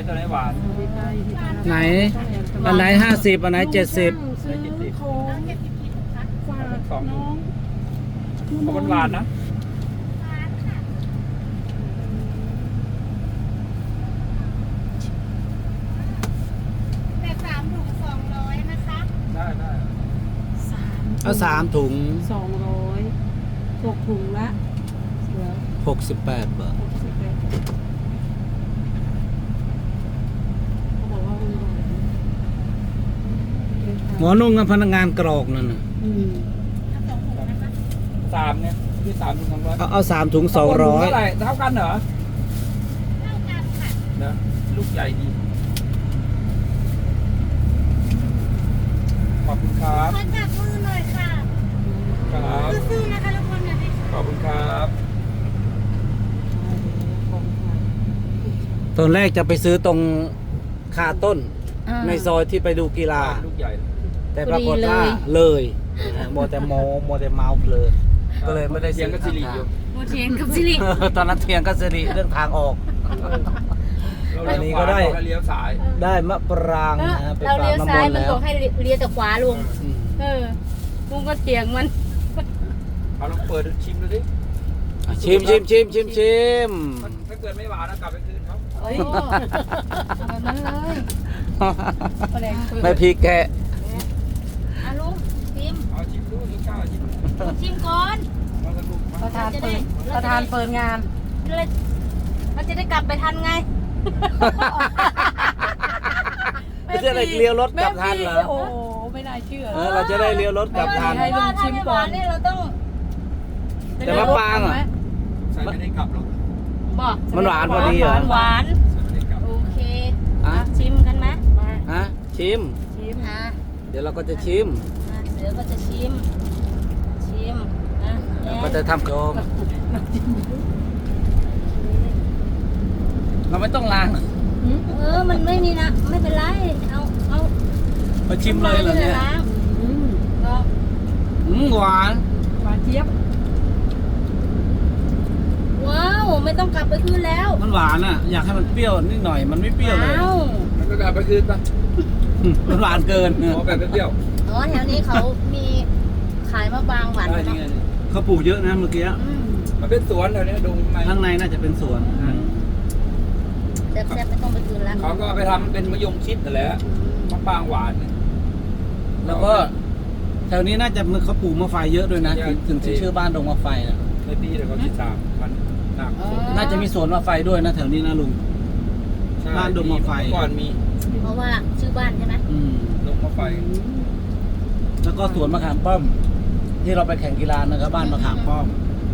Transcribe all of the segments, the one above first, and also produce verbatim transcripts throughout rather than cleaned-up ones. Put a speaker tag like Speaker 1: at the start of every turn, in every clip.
Speaker 1: ตัวไหนหวาน
Speaker 2: ไหนอันไหนห้าสิบอันไหนเจ็ดสิบ
Speaker 1: ซื้อของฝากสอง
Speaker 3: น้อง
Speaker 1: เพราะมันหวานนะ
Speaker 4: แต่สามถุงสองร้อยนะคะ
Speaker 1: ได้ได้
Speaker 3: สาม
Speaker 2: เอาสามถุง
Speaker 3: สองร้อยตกถุงละเหลือ
Speaker 2: หกสิบแปดบาท
Speaker 3: หกสิบแปดเขาบอกว่าคุณบอก
Speaker 2: หมอนุ่งกับพนักงานกรอกนั่นน่ะ
Speaker 3: อืม
Speaker 4: เอาสองถุงนะคะ
Speaker 1: สามเนี่ยที่สามถุงสองร้อย
Speaker 2: เอาเอาสามถุงสองร้อย
Speaker 1: เท่าไหร่เท่ากันเหรอ
Speaker 4: เท่ากันค่ะ
Speaker 1: นะลูกใหญ่ดีขอบคุณครับ
Speaker 4: ขอจับมือหน่อยค่ะ
Speaker 1: ครับ
Speaker 4: สู้ๆนะคะทุกคนนะดิ
Speaker 1: ขอบคุณครับ
Speaker 2: ตอนแรกจะไปซื้อตรงคาต้น
Speaker 5: อ่า
Speaker 2: ในซอยที่ไปดูกีฬา
Speaker 1: ลูกใหญ่
Speaker 2: แต่ปรากฏว่าเลยนะโมแต่โมโมแต่เมาเพลินก็เลยไม่ได้
Speaker 1: เสียงก็สิริอยู่
Speaker 5: โมเทียงกับสิริ
Speaker 2: ตอนนั้นเทียงก็สิริเรื่องทางออก อันนี้ก็ได้
Speaker 1: เราเลี้ยวซ้าย
Speaker 2: ได้มะปรางนะฮะไป
Speaker 5: เรา
Speaker 2: ฝาก
Speaker 5: เลี้ยว
Speaker 2: น้ำม
Speaker 5: ซ้าย
Speaker 2: นต์
Speaker 5: มัน
Speaker 2: แล้ว
Speaker 5: บอกให้เลี้ยวแต่ขวาลุง
Speaker 2: อืม
Speaker 5: เออลุงก็เถียงมัน
Speaker 1: เอาลองเปิดชิมดูดิ
Speaker 2: อ่ะชิมชิมชิมชิมชิม
Speaker 1: มันถ้าเกิดไม่หวานนะกลับไปคืนเขา
Speaker 5: โอ้ยแบบนั้นเลยแปลงเปิด
Speaker 2: ไม่พริกแกะ
Speaker 5: อ่ะลุงชิม
Speaker 1: เอาชิมดูชิมข้าวชิม
Speaker 5: ชิมก่อน
Speaker 1: มาสนุกมา
Speaker 3: ประธานเปิดประธานเปิดงาน
Speaker 5: เราเราจะได้กลับไปทันไง
Speaker 2: ไม่ใช่อะไรเลี้ยวรถกลับทันเหรอ
Speaker 3: โอ้โหไม่น่าเชื่อ
Speaker 2: เออเราจะได้เลี้ยวรถกลับทัน
Speaker 3: ให้ลุงชิมก่อน
Speaker 5: เพราะว่าถ้าไม่หวานเนี่ยเราต้อง
Speaker 2: แต่มะปรางอ่ะ
Speaker 1: ใส่ไม่ได้กลับหรอก
Speaker 5: บอก
Speaker 2: มันหวานพอดีเหรอ
Speaker 5: หวาน
Speaker 1: ใส่ไม่ได้กลับ
Speaker 5: โอเค
Speaker 2: อ่ะ
Speaker 5: ชิมกันไหม
Speaker 2: ฮะชิม
Speaker 5: ชิมอ่ะ
Speaker 2: เดี๋ยวเราก็จะชิม
Speaker 5: อ่ะเดี๋ยวก็จะชิม ชิมอ่ะ
Speaker 2: เราก็จะทำโจมเราไม่ต้องล้าง
Speaker 5: เออ มันไม่มีนะ ไม่เป็นไร เอา เอา
Speaker 2: มาชิมเลยเหรอเนี่ย
Speaker 5: ล้าง
Speaker 3: อืม
Speaker 5: ก็
Speaker 2: อืมหวาน
Speaker 3: หวานเจี๊ยบ
Speaker 5: ว้าว ไม่ต้องกลับไปคืนแล้ว
Speaker 2: มันหวานอ่ะ อยากให้มันเปรี้ยวนิดหน่อย มันไม่เปรี้ยวเลย
Speaker 5: ว้าว
Speaker 1: มันก็กลับไปคืนปะ
Speaker 2: อืมมันหวานเกิน
Speaker 1: ขอแบบเปรี้ยว
Speaker 5: อ๋อ แถวนี้เขามีขายมะปรางหวาน
Speaker 1: ได้
Speaker 5: เนาะ
Speaker 1: ยังไง
Speaker 2: เขาปลูกเยอะนะเมื่อกี้
Speaker 5: อืม
Speaker 1: มันเป็นสวนแถวนี้ดงไม้
Speaker 2: ข้างในน่าจะเป็นสวนอ่ะ
Speaker 5: แซ่บๆไม่ต้องไปคืนแล้ว
Speaker 1: เขาก็เอาไปทำเป็นมะยงชิดนั่นแหละมะปรางหวานเนี่ย
Speaker 2: แล้วก็แถวนี้น่าจะเขาปลูกมะไฟเยอะด้วยนะ ถึงถึงชื่อบ้านดงมะไฟน่ะ
Speaker 1: ในปีเดี๋ยวเขาติดตามมันหนักสุด
Speaker 2: น่าจะมีสวนมะไฟด้วยนะแถวนี้นะลุง
Speaker 1: ใช่
Speaker 2: บ้านดงมะไฟ
Speaker 1: เมื่อก่อนมี
Speaker 5: เพราะว่าชื่อบ้านใช่ไหม
Speaker 2: อืม
Speaker 1: ดงมะไฟ
Speaker 2: แล้วก็สวนมะขามป้อม ที่เราไปแข่งกีฬานะครับบ้านมะขามป้อม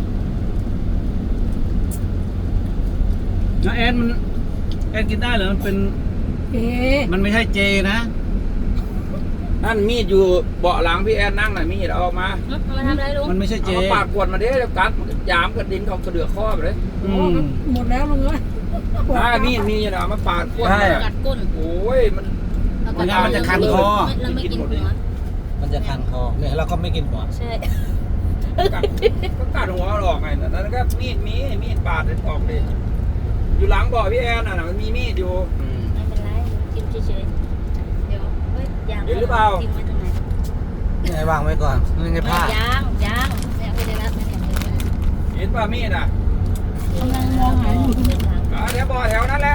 Speaker 2: แล้วแอนมันแอนกินได้เหรอมันเป็น
Speaker 3: เอ๊ะ
Speaker 2: มันไม่ใช่เจนะ
Speaker 1: นั่นมีดอยู่เบาะหลังพี่แอนนั่งน่ะมีดเอาออกมา
Speaker 5: เอามาทำอะไรลุง
Speaker 2: มันไม่ใช่เจ
Speaker 1: เอามาปาดกวนมาเด้แล้วกัดมันก็ยามกระดิ่งเขากระเดือกข้อไปเลย
Speaker 2: อื
Speaker 3: โอ้
Speaker 2: ม
Speaker 3: หมดแล้วลุงเอ้ย
Speaker 1: อ่ามีดมีอยู่นะเอามาปาดกวน
Speaker 2: ใช่
Speaker 5: กัดก้น
Speaker 1: โอ้ยมัน
Speaker 5: แล้วก็
Speaker 2: ไม่งั้นมันจะคันคอ
Speaker 5: เราไม่กินหัว
Speaker 2: มันจะคันคอเนี่ยเราก็ไม่กินหัว
Speaker 5: ใช่
Speaker 1: กัดก็กัดหัวออกไงนั่นก็มีดมีมีดปาดออกเลยอยู่หลังเบาะพี่แอนน่ะมันมีมีดอยู่
Speaker 2: อืม
Speaker 5: ไม่เป็นไรกินเฉยๆเดี๋ยวเฮ้ยยาง
Speaker 1: เห็นหรือเปล่า
Speaker 5: ทิ้งไว้ตรงไหน
Speaker 2: นี่ไงวางไว้ก่อนนี่ไงผ้าย
Speaker 5: างยางเนี่ยไม่ได้รับไม่ได้รับ
Speaker 1: เห็นป่ะมีดอ่ะ
Speaker 3: กำลังมองหาอยู่
Speaker 1: อ่าเดี๋ยวเบาะแถวนั้นแหละ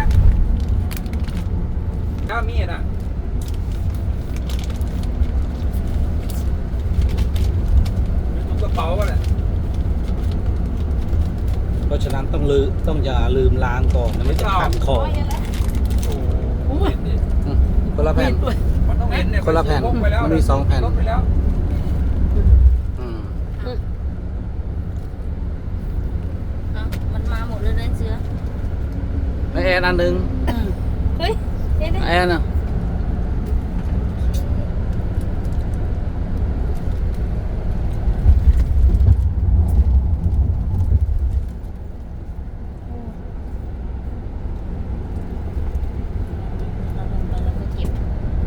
Speaker 1: ถ้ามีดอ่ะอยู่ตรงกระเป๋าป่ะเนี่ย
Speaker 2: เพราะฉะนั้นต้องลืมต้องอย่าลืมล้างก่อนนะไม่จะคันคอ
Speaker 1: โอ้โหเห็นดิ
Speaker 2: อืมคนละแผ่น
Speaker 1: มันต้องเห็นเนี่ย
Speaker 2: คนละแผ่น
Speaker 1: พกไปล้ว
Speaker 2: มันมีสองแผ่น
Speaker 1: พกไปแล้ว
Speaker 2: อืม
Speaker 5: เอามันมาหมดเลยนะเสือ
Speaker 2: แล้วแอนอันหนึ่ง
Speaker 5: เฮ้ยเห็นไหม
Speaker 2: แอนอ่ะ
Speaker 5: เราลงไปแล้วก็เก็บ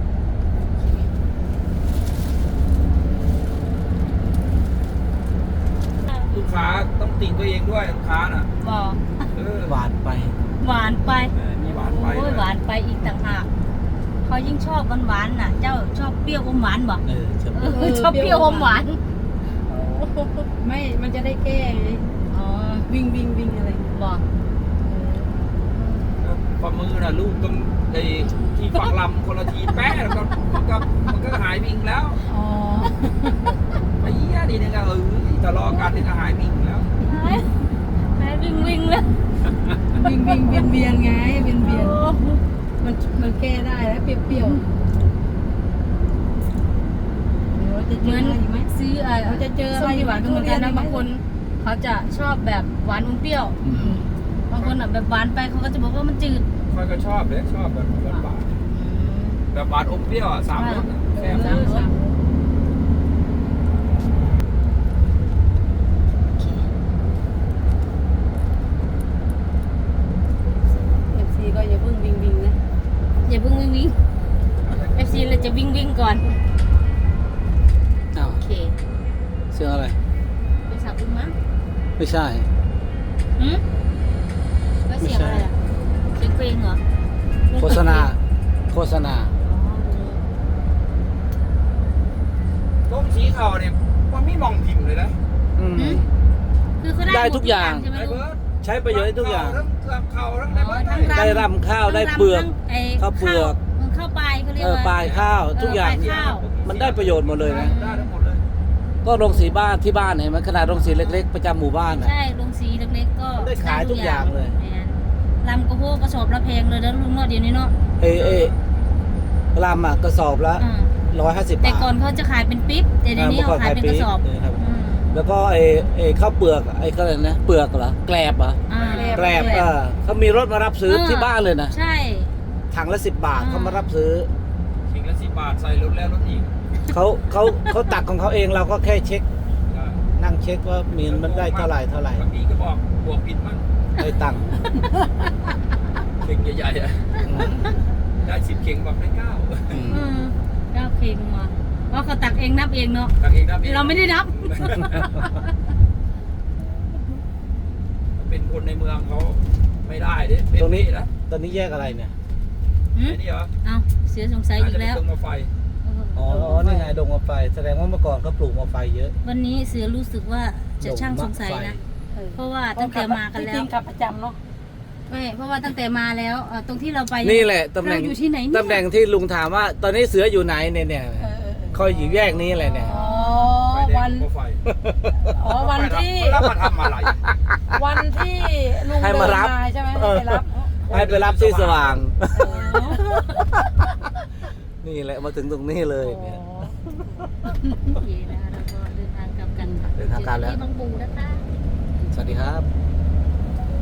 Speaker 1: ลูกค้าต้องติตัวเองด้วยลูกค้าน่ะ
Speaker 5: บอก
Speaker 1: เออ
Speaker 2: หวานไป
Speaker 5: หวานไป
Speaker 1: เออมีหวานานไป
Speaker 5: โอ้ยหวานไปอีกต่างหากเขายิ่งชอบหวานๆน่ะ เจ้าชอบเปรี้ยวอมหวานบ่
Speaker 2: เออชอบ
Speaker 5: เออชอบเปรี้ยวอมหวาน
Speaker 3: ไม่ มันจะได้แก้ไง
Speaker 5: อ๋อ
Speaker 3: วิ่งวิ่งวิ่งอะไร
Speaker 5: บ่
Speaker 1: ฝ่ามือน่ะลูกต้องไอ้ที่ฝักลำคนละทีแป๊ะแล้วก็มันก็มันก็หายวิ่งแล้ว
Speaker 3: อ๋อ
Speaker 1: ไอ้เหี้ยนี่เนี่ยก็เออทะเลาะกันนี่ก็หายวิ่งแล้ว
Speaker 5: หายวิ่งวิ่งเลย
Speaker 3: วิ่งวิ่งเวียนเวียนไงเวียนเวียนมันมันแก้ได้แล้วเปรี้ยวๆเดี๋ยวจะเจ
Speaker 5: เหมื
Speaker 3: อ
Speaker 5: อน
Speaker 3: อะไรอีกไหม
Speaker 5: ซื้อเอ่อ
Speaker 3: เราจะเจออะไร
Speaker 5: ส้มที่หวานก็เหมือนกันนะ
Speaker 3: ทุเรียน
Speaker 5: บางคนเขาจะชอบแบบหวานอมเปรี้ยว
Speaker 2: อืม
Speaker 5: บางคนอ่ะแบบหวานไปเขาก็จะบอกว่ามันจืด
Speaker 1: ค่อยก็ชอบเลยชอบแบบหวานๆแบบหวานอมเปรี้ยวอ่ะสามรสอ่ะแซ่บ
Speaker 3: เอ
Speaker 1: นะ
Speaker 3: อสามเอฟซีก็อย่าเพิ่งวิ่งวิ่งนะ
Speaker 5: อย่าเพิ่งวิ่งวิ่งเอฟซีเราจะวิ่งวิ่งก่อน
Speaker 2: อ้าว
Speaker 5: โอเค
Speaker 2: เสียงอะไร
Speaker 5: ไปสับอุ้มมั้ง
Speaker 2: ไม่ใช่
Speaker 5: หืมแล้วเสียงอะไรอ่ะเสียงเพลงเหรอ
Speaker 2: โฆษณา โฆษณา
Speaker 5: อ๋อ
Speaker 1: ต้มสีเข่าเนี่ยมันไม่มองทิมเลยนะ
Speaker 2: อืม
Speaker 5: หืมคือเขาได้
Speaker 2: ได้
Speaker 5: หม
Speaker 2: ทุกอย่าง
Speaker 5: ใช่ไหม
Speaker 1: ไอ้
Speaker 5: ลูก
Speaker 1: เบิร์ด
Speaker 2: ใช้ประโยชน์ได้ทุกอย่าง
Speaker 1: ทั้งเกลือเข่าทั้งได้เบิร์ด
Speaker 5: ทั้ง
Speaker 2: ได้รำข้าวได้เปลือก
Speaker 5: ทั้งไอ้
Speaker 2: ข้าวเปลือก
Speaker 5: มันข้าวปลายเขาเรียก
Speaker 2: เออ
Speaker 5: ว่า
Speaker 2: ปลายข้าวทุกอย่าง
Speaker 5: เปลายข้าว
Speaker 2: มันได้ประโยชน์หมดเลยนะ
Speaker 1: ได้ทั้งหมดเลย
Speaker 2: ก็โรงสีบ้านที่บ้านเห็นไหมขนาดโรงสีเล็ก ๆ ประจำหมู่บ้านน่ะ
Speaker 5: ใช่ลงสีเล็กๆก็
Speaker 2: ได้ขายทุกอย่างเลย
Speaker 5: แม่นลำกระโพกกระสอบละแพงเลยแล้วลุงเนาะเดี๋ยวนี้เนาะ
Speaker 2: เอเอลำอ่ะกระสอบละ
Speaker 5: อ่า
Speaker 2: ร้อยห้าสิบ
Speaker 5: แต่
Speaker 2: บาท
Speaker 5: ก่อนเขาจะขายเป็นปิ๊บแต่เดี๋ยวนี้เขาขายเป็นกระสอบ
Speaker 2: เครับ
Speaker 5: อืม
Speaker 2: แล้วก็ไอ้ไอ้ข้าวเปลือกไอ้ก็อะไรนะเปลือกเหรอแกลบเหรอ
Speaker 5: อ่า
Speaker 2: แกลบเออเขามีรถมารับซื้อ
Speaker 5: เออ
Speaker 2: ที่บ้านเลยนะ
Speaker 5: ใช่
Speaker 2: ถังละสิบบาท
Speaker 5: อ่า
Speaker 2: เขามารับซื้อ
Speaker 1: ขิงละสิบบาทใส่รถแล้วรถอีก
Speaker 2: เขาเขาเขาตักของเขาเองเราก็แค่เช็ค นั่งเช็คว่ามีมันได้เท่าไหร่เท่าไหร่
Speaker 1: บางทีก็บอกบวกผิดมั่ง
Speaker 2: ได้ตังค์
Speaker 1: เข่งใหญ่ๆอะได้สิบเข่งบอกได้เก้า
Speaker 2: อืม
Speaker 5: เออเก้าเพลงมาว่าเขาตักเองนับเองเนาะ
Speaker 1: ตักเองนับเอง
Speaker 5: เราไม่ได้นับ
Speaker 1: เป็นคนในเมืองเขาไม่ได้เด้เป็
Speaker 2: ตรงนี้
Speaker 1: นะ
Speaker 2: ตอนนี้แยกอะไรเนี่ย
Speaker 5: หืม
Speaker 1: ไอ้นี่เหรอ
Speaker 5: เอาเสียสงสัย
Speaker 1: น่า
Speaker 5: อี
Speaker 1: จะ
Speaker 5: ก
Speaker 1: เป็น
Speaker 5: แล้ว
Speaker 1: ตรงมาไฟ
Speaker 2: อ๋อนี่ไงดงมะไฟแสดงว่าเมื่อก่อนเขาปลูกมะไฟเยอะ
Speaker 5: วันนี้เสือรู้สึกว่าจะช่างสงสัยนะ เพราะว่าตั้งแต่มากันแล้
Speaker 3: จริ
Speaker 5: ว
Speaker 3: งๆขับประจำเนาะ
Speaker 5: ไม่เพราะว่าตั้งแต่มาแล้วเอ่อตรงที่เราไป
Speaker 2: นี่แหละตำแหน่ง
Speaker 5: เราอยู่ที่ไหนเนี่ย
Speaker 2: ตำแหน่งที่ลุงถามว่า ตอนนี้เสืออยู่ไหนเนี่ยเนี่ย
Speaker 3: เออเออเออ
Speaker 2: คอยอยู่แยกนี้แหละเนี่ย
Speaker 3: อ๋อ
Speaker 1: ไฟแด
Speaker 3: วั
Speaker 1: ง
Speaker 3: น
Speaker 1: มาไฟ
Speaker 3: อ๋อวันที่
Speaker 1: แล้วมาทำอะไร
Speaker 3: วันที่ลุง
Speaker 2: ให้
Speaker 3: เดิ
Speaker 2: มาน รับ
Speaker 3: มาใช่ไหม
Speaker 2: เออ
Speaker 3: ให้ไปรับ
Speaker 2: ให้ไปรับที่สว่าง
Speaker 3: อ๋อ
Speaker 2: นี่แหละมาถึงตรงนี้เลยเนี่ย
Speaker 5: โอเคนะคะเราก็เดินทางกลับกัน
Speaker 2: เดินทางกลับแล้ว
Speaker 5: ที่บางปูนะคะ
Speaker 2: สวัสดีครับ